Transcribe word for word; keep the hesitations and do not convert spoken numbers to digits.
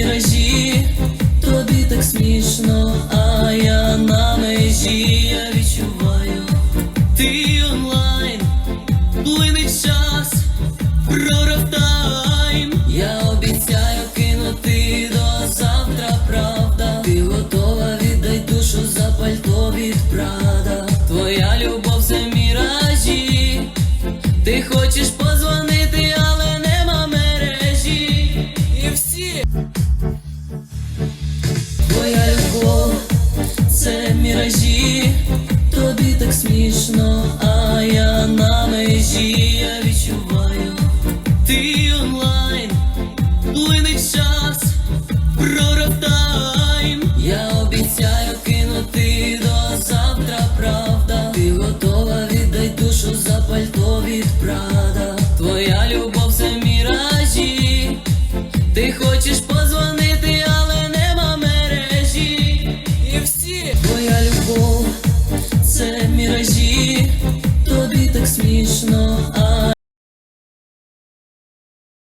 міражі, тобі так смішно, а я на межі, я відчуваю, ти онлайн, плинить час, прорав тайм. Я обіцяю кинути до завтра, правда. Ти готова, віддай душу за пальто від Прада. Твоя любов це міражі, ти хочеш позвонити, але нема мережі. І всі твоя любов це міражі, тобі так смішно, а я на межі, я відчуваю, ти онлайн, плинить час, прорав тайм. Я обіцяю кинути до завтра, правда. Ти готова, віддай душу за пальто від Прада. Твоя любов це міражі, ти хочеш позвонити, але нема мережі. І всі твоя любов це міражі, тобі так смішно.